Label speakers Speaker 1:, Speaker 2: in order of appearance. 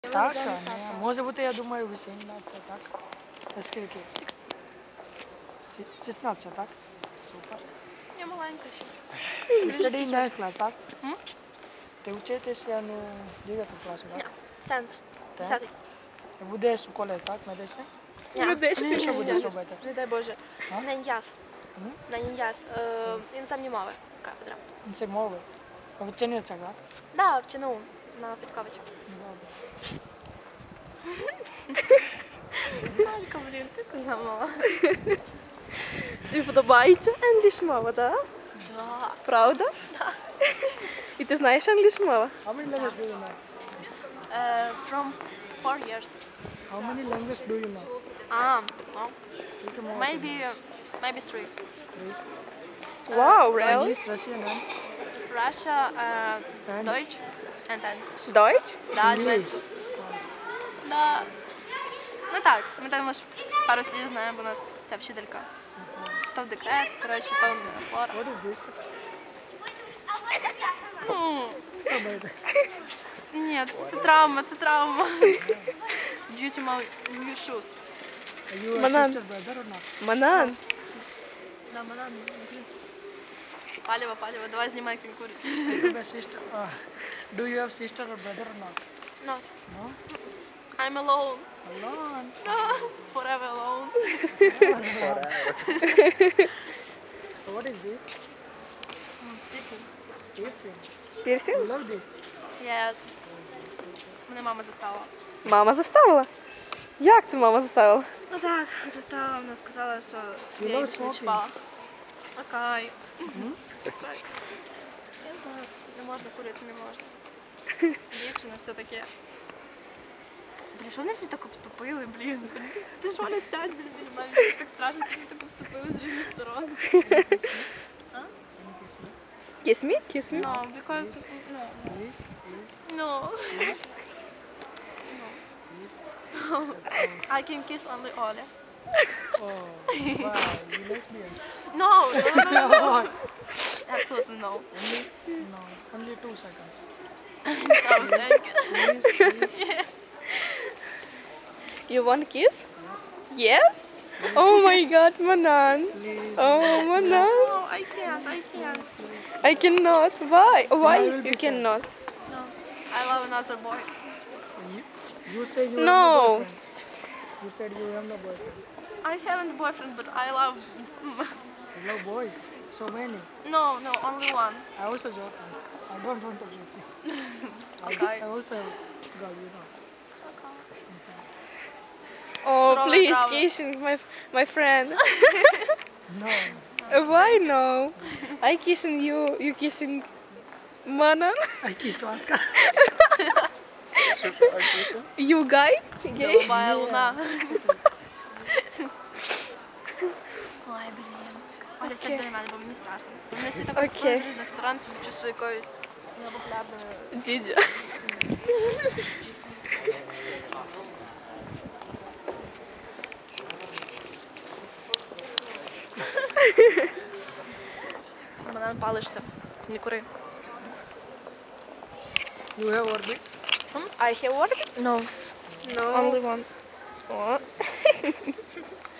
Speaker 1: Старша? Ні. Може бути, я думаю, 18, так? Скільки? 16, так? Супер.
Speaker 2: Я маленька ще.
Speaker 1: Study in 9th class, так? Ти вчитися, ну, 9 класу, так?
Speaker 2: Танц.
Speaker 1: Так?
Speaker 2: 10.
Speaker 1: Будеш в коледжі, так? Медичний?
Speaker 2: Медичний.
Speaker 1: Що будеш робити?
Speaker 2: Не дай Боже.
Speaker 1: А?
Speaker 2: На ін'яз.
Speaker 1: М?
Speaker 2: На ін'яз. Іноземні мови. Кафедра.
Speaker 1: Це мови. Вчениця, так?
Speaker 2: Да, в ЧНУ. На Федьковича.
Speaker 1: Добре.
Speaker 2: Малька, блін, ти коза мала.
Speaker 3: Тобі подобається англійська мова, так?
Speaker 2: Да.
Speaker 3: Правда?
Speaker 2: Да.
Speaker 3: І ти знаєш англійську мову?
Speaker 1: How many languages do you know?
Speaker 2: From 4 years.
Speaker 1: How many languages do you know?
Speaker 2: Well,
Speaker 1: Speak more.
Speaker 2: maybe 3.
Speaker 1: Three.
Speaker 3: Вау, really?
Speaker 1: English, Russian, and
Speaker 2: Russia,
Speaker 1: And?
Speaker 2: Deutsch, and then.
Speaker 3: Deutsch?
Speaker 2: Да,
Speaker 1: English.
Speaker 2: німецький. Да. Ну так, ми там лише пару слів знаємо, бо у нас ця вчителька. То в декрет, коротше, то в хлора.
Speaker 1: What is this? Що буде?
Speaker 2: Ні, це травма, це травма. Duty my new shoes.
Speaker 1: Are you a
Speaker 3: Банан.
Speaker 1: sister, brother or not?
Speaker 3: Манан.
Speaker 2: Да, банан. Палево, палево, давай знімай, як він курить.
Speaker 1: Do you have a sister? Do you have sister or brother or not?
Speaker 2: No,
Speaker 1: No?
Speaker 2: I'm alone.
Speaker 1: Alone.
Speaker 2: Forever alone.
Speaker 1: So what is this? Piercing. You
Speaker 3: Пірсінг?
Speaker 1: love this?
Speaker 2: Yes. Мене мама заставила.
Speaker 3: Мама заставила? Як це мама заставила?
Speaker 2: Ну так, заставила, вона сказала, що
Speaker 1: You
Speaker 2: я
Speaker 1: love
Speaker 2: їх не
Speaker 1: smoking?
Speaker 2: чіпала. Окей. Не можна курити, не можна. Дівчина, все таке. Блін, що вони всі так обступили, блін? Ти ж Оля сядь, блін, біля мене. Мені так страшно, всі так обступили з різних сторон.
Speaker 3: Kiss me? Kiss me?
Speaker 2: No, because, no,
Speaker 1: Please, please,
Speaker 2: no.
Speaker 1: please.
Speaker 2: I can kiss only Oля.
Speaker 1: Oh, wow, you lesbian.
Speaker 2: No, no. Absolutely no.
Speaker 1: No, only 2 seconds.
Speaker 2: I was thinking.
Speaker 1: Please, please.
Speaker 3: You want kiss? Yes? Oh my god, Manan.
Speaker 1: Please.
Speaker 3: Oh, Manan.
Speaker 2: No, I can't, I can't.
Speaker 3: I cannot. Why? Why
Speaker 1: I will be
Speaker 3: you
Speaker 1: sad.
Speaker 3: cannot?
Speaker 2: No, I love another boy.
Speaker 1: You say you
Speaker 3: No.
Speaker 1: have no boyfriend. You said you have no boyfriend.
Speaker 2: I haven't a boyfriend, but I love...
Speaker 1: You love boys. So many.
Speaker 2: No, only one.
Speaker 1: I also joking. I don't want to kiss you.
Speaker 2: Okay.
Speaker 1: I also have girl, you know.
Speaker 3: Oh,
Speaker 2: Surova
Speaker 3: please
Speaker 2: Bravo.
Speaker 3: kissing my friend.
Speaker 1: No.
Speaker 3: Why no? I kissing you, you kissing Manan.
Speaker 1: I kiss Oscar.
Speaker 3: You guy? Gay?
Speaker 2: Голубая луна. Ой, блін. Оля, сядь біля мене, бо мені страшно. Вони всі так
Speaker 3: Окей.
Speaker 2: з різних сторон, себе чувствую якоюсь новопляблою.
Speaker 3: Дідя.
Speaker 2: Банан палишся. Не кури.
Speaker 1: You have orbit?
Speaker 3: I have one?
Speaker 2: No.
Speaker 3: No. Only one. Oh.